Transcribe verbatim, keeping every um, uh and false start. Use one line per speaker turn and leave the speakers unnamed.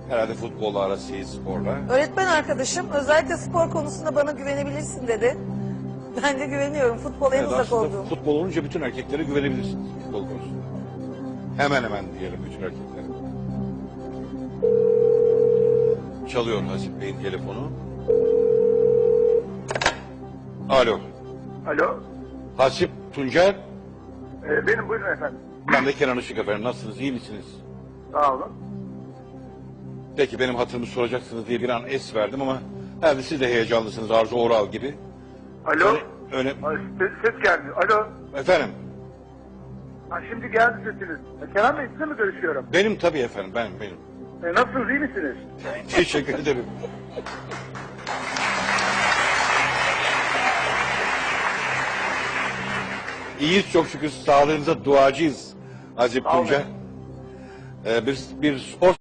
Herhalde futbolla arası iyi, sporla.
Öğretmen arkadaşım özellikle spor konusunda bana güvenebilirsin dedi. Ben de güveniyorum. Futbola en
Evet,
uzak
aslında
olduğum.
futbol olunca bütün erkeklere güvenebilirsiniz futbol konusunda. Hemen hemen diyelim bütün erkeklere. Çalıyor Hasip Bey'in telefonu. Alo.
Alo.
Hasip Tuncer.
Ee, benim buyurun efendim.
Ben de Kenan Işık efendim. Nasılsınız? İyi misiniz?
Sağ olun.
Peki benim hatırımı soracaksınız diye bir an es verdim ama herhalde siz de heyecanlısınız Arzu Oral gibi.
Alo.
Öyle, öyle...
Ay, ses, ses geldi. Alo.
Efendim?
Ha, şimdi geldi sesiniz. E, Kenan Bey sizinle mi görüşüyorum?
Benim tabii efendim. Benim, benim.
E, nasılsınız, iyi misiniz?
Teşekkür ederim. İyiyiz çok şükür. Sağlığınıza duacıyız Hasip
Sağ olun.
Tuncer. Ee, bir, bir spor